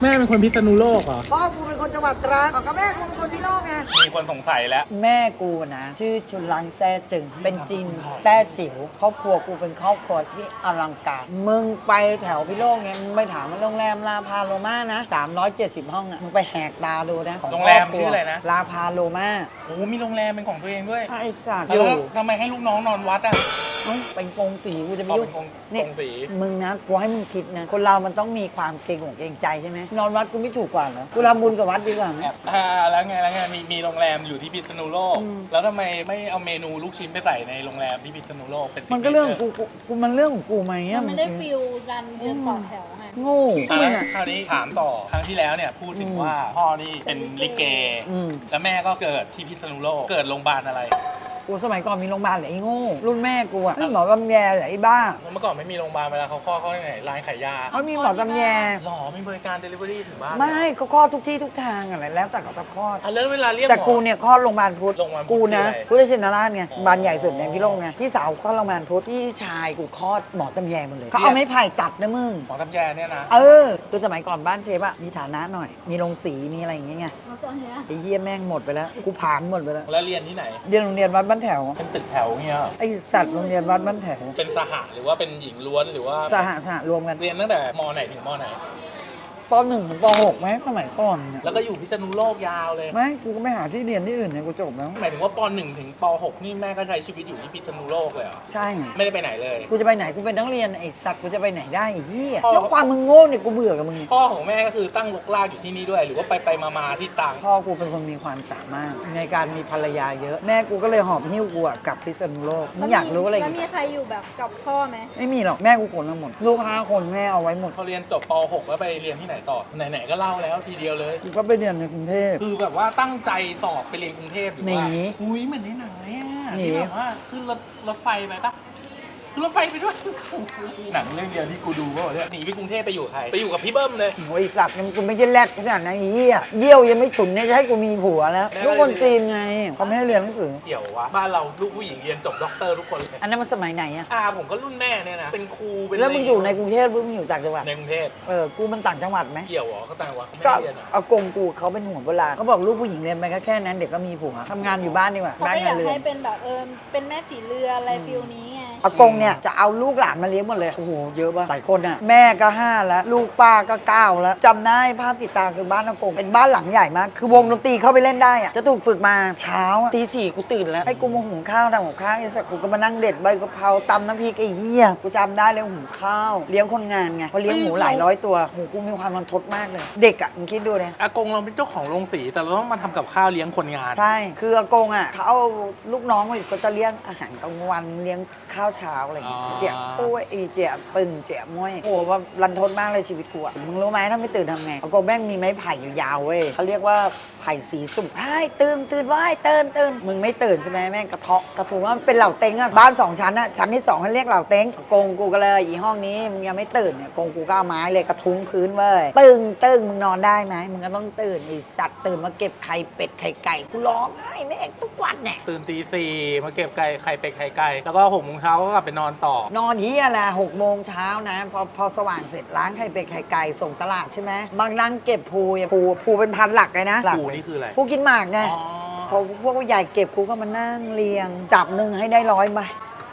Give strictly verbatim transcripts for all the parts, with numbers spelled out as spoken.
แม่เป็นคนพิษณุโลกเหรอพ่อกูเป็นคนจังหวัดตรังกับแม่กูเป็นคนพิโลกไงมีคนสงสัยแล้วแม่กูนะชื่อชุนลังแซ่จึงเป็นจีนแต้จิ๋วครอบครัวกูเป็นครอบครัวที่อลังการมึงไปแถวพิโลกเนี่ยมึงไปถามว่าโรงแรมลาพาโลมานะสามร้อยเจ็ดสิบห้องอ่ะมึงไปแหกตาดูนะโรงแรมชื่ออะไรนะลาพาโลมาโอ้มีโรงแรมเป็นของตัวเองด้วยไอ้สัตว์อยู่ทำไมให้ลูกน้องนอนวัดอ่ะเป็นกงสีกูจะไปยุ่งนี่มึงนะกูให้มึงคิดนะคนเรามันต้องมีความเกรงอกเกรงใจใช่ไหมนอนวัดกูไม่ถูกกว่าเหรอกูทำบุญกับวัดดีกว่าไหมอ่าแล้วไงแล้วไงมีมีโรงแรมอยู่ที่พิษณุโลกแล้วทำไมไม่เอาเมนูลูกชิ้นไปใส่ในโรงแรมที่พิษณุโลกเป็นมันก็เรื่องกูกูมันเรื่องของกูไหมมันไม่ได้ฟิลกันยืนต่อแถวไงโง่คราวนี้ถามต่อครั้งที่แล้วเนี่ยพูดถึงว่าพ่อนี่เป็นลิเกแล้วแม่ก็เกิดที่พิษณุโลกเกิดโรงพยาบาลอะไรกูสมัยก่อนมีโรงพยาบาลเหรอไอ้โง่รุ่นแม่กูอะหมอตำแยเหรอไอ้บ้าเมื่อก่อนไม่มีโรงพยาบาลเวลาเขาคลอดเขาที่ไหนร้านขายยาเขามีหมอตำแยหรอมีบริการเดลิเวอรี่ถึงบ้านไม่เขาคลอดทุกที่ทุกทางอะไรแล้วแต่เขาจะคลอดแล้วเวลาเรียกแต่กูเนี่ยคลอดโรงพยาบาลพุทธกูนะพุทธชินราชไงบานใหญ่สุดในพี่โลกไงพี่สาวคลอดโรงพยาบาลพุทธพี่ชายกูคลอดหมอตำแยหมดเลยเขาเอาไม้ไผ่ตัดนะมึงหมอตำแยเนี่ยนะเออคือสมัยก่อนบ้านเชฟอะมีฐานะหน่อยมีโรงสีมีอะไรอย่างเงี้ยไอ้เยี่ยแม่งหมดไปแล้วกูผางหมดไปแล้วแล้วเรียนที่ไหนเรียนโรงเรียนวัดบ้านแถวเป็นตึกแถวเงี้ยไอสัตว์โรงเรียนวัดบ้านแถวเป็นสหะหรือว่าเป็นหญิงล้วนหรือว่าสหะสหะรวมกันเรียนตั้งแต่มไหนถึงมไหนปหนึ่งถึงปหกไหมสมัยก่อนเนี่ยแล้วก็อยู่พิษณุโลกยาวเลยไม่กูก็ไม่หาที่เรียนที่อื่นเนี่ยกูจบแล้วหมายถึงว่าปหนึ่งถึงปหกนี่แม่ก็ใช้ชีวิตอยู่ที่พิษณุโลกเลยเหรอใช่ไม่ได้ไปไหนเลยกูจะไปไหนกูเป็นนักเรียนไอสัตว์กูจะไปไหนได้ไอ้เหี้ยแล้วความมึงโง่เนี่ยกูเบื่อกับมึงพ่อของแม่ก็คือตั้งรกรากอยู่ที่นี่ด้วยหรือว่าไปไปมาๆที่ต่างพ่อกูเป็นคนมีความสามารถในการมีภรรยาเยอะแม่กูก็เลยหอบหิ้วกูกลับพิษณุโลกมึงอยากรู้อะไรแล้วมีใครอยู่แบบกับพ่อไหมไม่มีหรอกแม่กูขนมาหมดลูกห้าคนแม่เอาไว้หมดพอเรียนจบปหกแล้วไปเรียนที่ไหนต่อไหนๆก็เล่าแล้วทีเดียวเลยกูก็ไปเรียนในกรุงเทพคือแบบว่าตั้งใจสอบไปเรียนกรุงเทพหรือว่าหนีอุ้ยเหมือนในหนังเนี่ยที่แบบว่าขึ้นรถรถไฟไปปะรถไฟไปด้วยหนังเรื่องเดียวที่กูดูก็เนี่ยหนีไปกรุงเทพไปอยู่ใครไปอยู่กับพี่เบิ้มเลยโอ้ยสัตว์มันกูไม่ใช่แรดขนาดนั้นเหี้ยเยี่ยวยังไม่ฉุนเนี่ยจะให้กูมีผัวแล้วลูกคนจีนไงเขาไม่ให้เรียนหนังสือเกี่ยววะบ้านเราลูกผู้หญิงเรียนจบด็อกเตอร์ทุกคนเลยอันนั้นมันสมัยไหนอะอ่าผมก็รุ่นแม่เนี่ยนะเป็นครูเป็นแล้วมึงอยู่ในกรุงเทพหรือมึงอยู่ต่างจังหวัดในกรุงเทพเออกูมันต่างจังหวัดไหมเกี่ยวเหรอเขาต่างจังหวัดเขาไม่เรียนก็เอากงกูเขาเป็นหัวโบราณเขาบอกลูกผู้หญิงเรียนไปแค่นั้นเด็กก็มีผัวทำงานอยู่บ้านดีกว่าเขาไม่อยากให้เป็นแบบเออเป็นแม่ฝีเรืออะไรฟิลนี้ไงอากงเนี่ยจะเอาลูกหลานมาเลี้ยงหมดเลยโอ้โหเยอะป่ะหลายคนอ่ะแม่ก็ห้าแล้วลูกป้าก็เก้าแล้วจำได้ภาพติดตาคือบ้านอากงเป็นบ้านหลังใหญ่มากคือวงดนตรีเข้าไปเล่นได้อ่ะจะถูกฝึกมาเช้าตีสี่กูตื่นแล้วให้กูมาหุงข้าวทำกับข้าวไอ้สักกูก็มานั่งเด็ดใบกะเพราตำน้ำพริกไอ้เหี้ยกูจำได้เลยหุงข้าวเลี้ยงคนงานไงพอเลี้ยงหมูหลายร้อยตัวโหกูมีความรันทดมากเลยเด็กอ่ะมึงคิดดูเลยอากงเราเป็นเจ้าของโรงสีแต่เราต้องมาทำกับข้าวเลี้ยงคนงานใช่คืออากงอ่ะเขาเอาลูกน้องมาก็จะเลี้ยงอาหารกลางวันเลี้ยงข้าวเช้าอะไรอย่างเงี้ยเจี๊ยบปุ้ยอีเจี๊ยบปึ่งเจี๊ยบม้วยโอ้ว่ารันทดมากเลยชีวิตกูอ่ะมึงรู้ไหมถ้าไม่ตื่นทำไงอากงแม่งมีไม้ไผ่ยาวๆเว้ยเขาเรียกว่าไผ่สีสุ่มไอ้ตื่นตื่นไว้ตื่นตื่นมึงไม่ตื่นใช่ไหมแม่งกระเทาะกระถูว่ามันเป็นเหล่าเต็งอ่ะบ้านสองชั้นอ่ะชั้นที่สองเขาเรียกเหล่าเต็งอากงกูก็เลยอีห้องนี้มึงยังไม่ตื่นเนี่ยอากงกูก็เอาไม้เลยกระทุ้งพื้นเว้ยตึงตึงมึงนอนได้ไหมมึงก็ต้องตื่นไอสัตว์ตื่นมาเก็บไข่เป็ดไข่ไก่กูร้องไห้แม่งทุกวันเนี่ยตื่นตีสี่มาเก็บไก่ไข่เป็ดไข่ไก่แล้วก็หกโมงเช้าก็กลับไปนอนต่อนอนเฮียแหละหกโมงเช้านะพอพอสว่างเสร็จล้างไข่เป็ดไข่ไก่ส่งตลาดใช่ไหมบางนั่งเก็บภูภูภูเป็นพันหลักเลยนะภูนี่คืออะไรภูกินหมากไงพอพวกใหญ่เก็บภูก็มานั่งเรียงจับหนึ่งให้ได้ร้อยใบ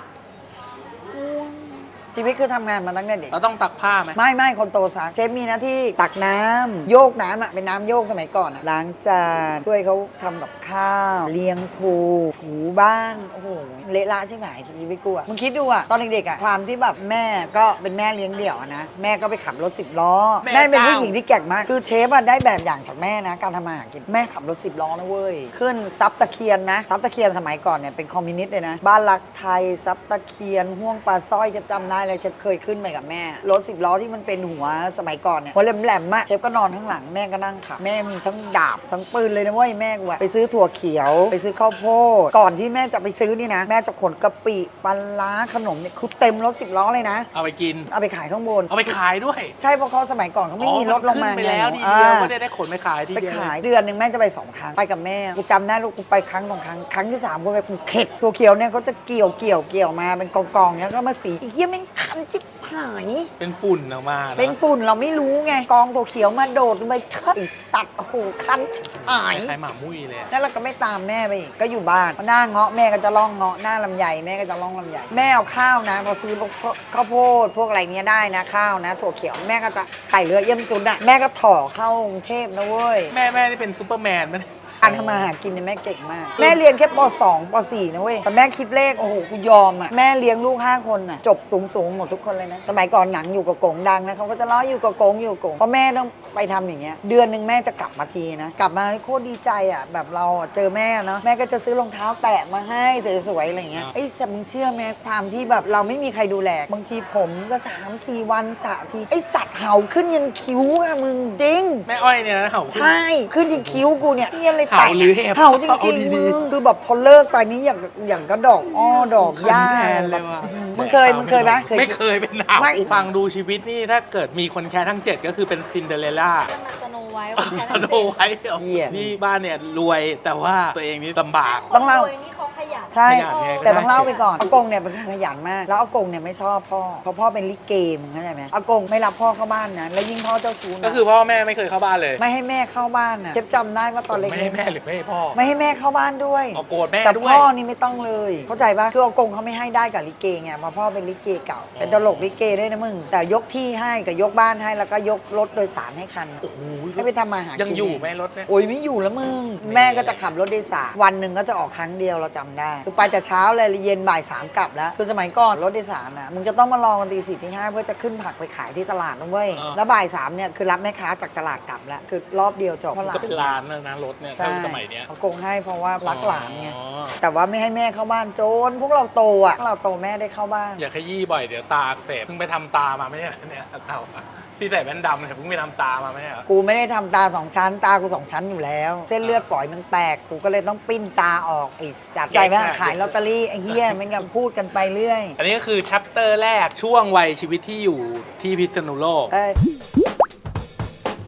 ชีวิตคือทำงานมาตั้งแต่เด็กเราต้องซักผ้าไหมไม่ไม่คนโตซักเชฟมีหน้าที่ตักน้ำโยกน้ำอ่ะเป็นน้ำโยกสมัยก่อนอ่ะล้างจานช่วยเขาทำกับข้าวเลี้ยงภูถูบ้านโอ้โหเละละใช่ไหมชีวิตกูอ่ะมึงคิดดูอ่ะตอนเด็กๆอ่ะความที่แบบแม่ก็เป็นแม่เลี้ยงเดี่ยวนะแม่ก็ไปขับรถสิบล้อแม่เป็นผู้หญิงที่แกร่งมากคือเชฟอ่ะได้แบบอย่างจากแม่นะการทำมาหากินแม่ขับรถสิบล้อนะเว้ยขึ้นซับตะเคียนนะซับตะเคียนสมัยก่อนเนี่ยเป็นคอมมิวนิสต์เลยนะบ้านรักไทยซับตะเคียนห่วงปลาสร้อยจะจำได้เลยเชฟเคยขึ้นไปกับแม่รถสิบล้อที่มันเป็นหัวสมัยก่อนเนี่ยหัวแหลมๆอะเชฟก็นอนข้างหลังแม่ก็นั่งขับแม่มีทั้งดาบทั้งปืนเลยนะเว้ยแม่กูอะไปซื้อถั่วเขียวไปซื้อข้าวโพดก่อนที่แม่จะไปซื้อนี่นะแม่จะขนกะปิปลาร้าขนมเนี่ยคือเต็มรถสิบล้อเลยนะเอาไปกินเอาไปขายข้างบนเอาไปขายด้วยใช่เพราะเขาสมัยก่อนเขาไม่มีรถลงมาไปแล้วทีเดียวไม่ได้ได้ขนไปขายทีเดียวไปขายเดือนหนึ่งแม่จะไปสองครั้งไปกับแม่กูจำได้ลูกกูไปครั้งสองครั้งครั้งที่สามกูไปกูเข็ดถั่วเขียวเนี่ยเขาจะเกี่ยวเกี่ยวเกี่ยวมาเป็นกองๆเนี่ยก็มาสีอีกเยี่ยมแม่งคันจิ๊บหหายเป็นฝุ่นออกมาะเป็นฝุ่นเราไม่รู้ไงกองตัวเขียวมาโดดลงไปเฮ้ยไอ้สัตว์โอ้โหคันชิบหายคล้ายๆหมามุ้ยเลยอะแล้วเราก็ไม่ตามแม่ไปอีกก็อยู่บ้านพอหน้าเงาะแม่ก็จะล่องเงาะหน้าลำไยแม่ก็จะล่องลำไยแม่เอาข้าวนะพอซื้อพวกข้าวโพดพวกอะไรเนี้ยได้นะข้าวนะถั่วเขียวแม่ก็จะใส่เรือเยี่ยมจุนอะแม่ก็ถ่อเข้ากรุงเทพนะเว้ยแม่แม่นี่เป็นซูเปอร์แมนมั้ยการทำมาหากินเนี่ยแม่เก่งมาก แม่เรียนแค่ป สอง ป สี่ นะเว้ยแต่แม่คิดเลขโอ้โหกูยอมอะแม่เลี้ยงลูกห้าคนอะจบสูงสูงๆหมดทุกคนเลยนะสมัยก่อนหนังอยู่กับกงดังนะเขาก็จะล้ออยู่กับกงอยู่กับกงเพราะแม่ต้องไปทำอย่างเงี้ยเดือนหนึ่งแม่จะกลับมาทีนะกลับมาโคตรดีใจอะแบบเราอะเจอแม่เนาะแม่ก็จะซื้อรองเท้าแตะมาให้สวยๆอะไรอย่างเงี้ยไอ้สัตว์มึงเชื่อไหมความที่แบบเราไม่มีใครดูแลบางทีผมก็สามสี่วันสระทีไอ้สัตว์เห่าขึ้นยันคิ้วอะมึงจริงแม่อ้อยเนี่ยนะเห่าขึ้นใช่ ขึ้นที่คิ้วกูเนี่ยเฮียอะไรเห่าหรือเห็บเห่าจเอาริงดีๆๆมึงคือแบบพอเลิกไปนี่อย่างอย่างก็ดอกอ้อดอกหญ้าคันแทนแบเลยบว่ะมึงเคยมึงเคยไหมไม่เคยเป็นหนาวไม่ฟังดูชีวิตนี่ถ้าเกิดมีคนแค่ทั้งเจ็ดก็คือเป็นซินเดอเรลล่าจะมาสโนไว้สโนไว้เหรอนี่บ้านเนี่ยรวยแต่ว่าตัวเองนี่ลำบากต้องเล่านี่เขาขยันใช่ขยันไงแต่ต้องเล่าไปก่อนอากงเนี่ยเป็นคนขยันมาก แล้วอากงเนี่ยไม่ชอบพ่อเพราะพ่อเป็นลิเกมึงเข้าใจไหมอากงไม่รับพ่อเข้าบ้านนะแล้วยิ่งพ่อเจ้าชู้นะก็คือพ่อแม่ไม่เคยเข้าบ้านเลยไม่ให้แม่เข้าบ้านน่ะเจ็บจำได้ว่าตอนเล็ไม่ให้กๆแม่หรือไม่ให้พ่อไม่ให้แม่เข้าบ้านด้วยเอาโกรธแม่แต่ด้วยพ่อนี่ไม่ต้องเลย เข้าใจปะคืออากงเขาไม่ให้ได้กับลิเกไงเพราะพ่อเป็นลิเกเก่า เป็นตลกลิเกด้วยนะมึง แต่ยกที่ให้กับยกบ้านให้แล้วก็ยกรถโดยสารให้คันโอ้โหให้ไปทำมาหากินยังอยู่ไหมรถเนี่ยโอ้ยไม่อยู่แล้วมึง แม่ก็จะขับรถโดยสารวันหนึ่งก็จะออกครั้งเดียวเราจำได้ คือไปแต่เช้าเลยเย็นบ่ายสามกลับแล้ว คือสมัยก่อนรถโดยสารนะมึงจะต้องมารอกันตีสี่ตีห้าเพื่อจะขึ้นผักไปขายที่ตลาดนะเว้ยอ่าแล้วบ่ายสามเนี่ยคือรับแม่ค้าจากตลาดกลับแล้วคือรอบเดียวจบมันก็เป็นร้านนะนะรถเนี่ยใช่ถ้าสมัยเนี้ยอากงให้เพราะว่ารักหลานไงอ๋อแต่ว่าไม่ให้แม่เข้าบ้านโจนพวกเราโตอ่ะพวกเราโตแม่ได้เข้าบ้านอย่าขยี้บ่อยเดี๋ยวตาอักเสบเพิ่งไปทำตามาไม่ใช่เหรอเนี่ยเต่าอะที่ใส่แว่นดำเนี่ยเพิ่งไปทำตามาไม่ใช่เหรอกูไม่ได้ทำตาสองชั้น ตากูสองชั้นอยู่แล้ว เส้นเลือดฝอยมันแตก กูก็เลยต้องปิ้นตาออกไอ้สัตว์ใจไหมขายลอตเตอรี่ไอ้เหี้ยมันก็พูดกันไปเรื่อยอันนี้ก็คือชัปเตอร์แรกช่วงวัยชีวิตที่อยู่ที่พิษณุโลกเอ้ย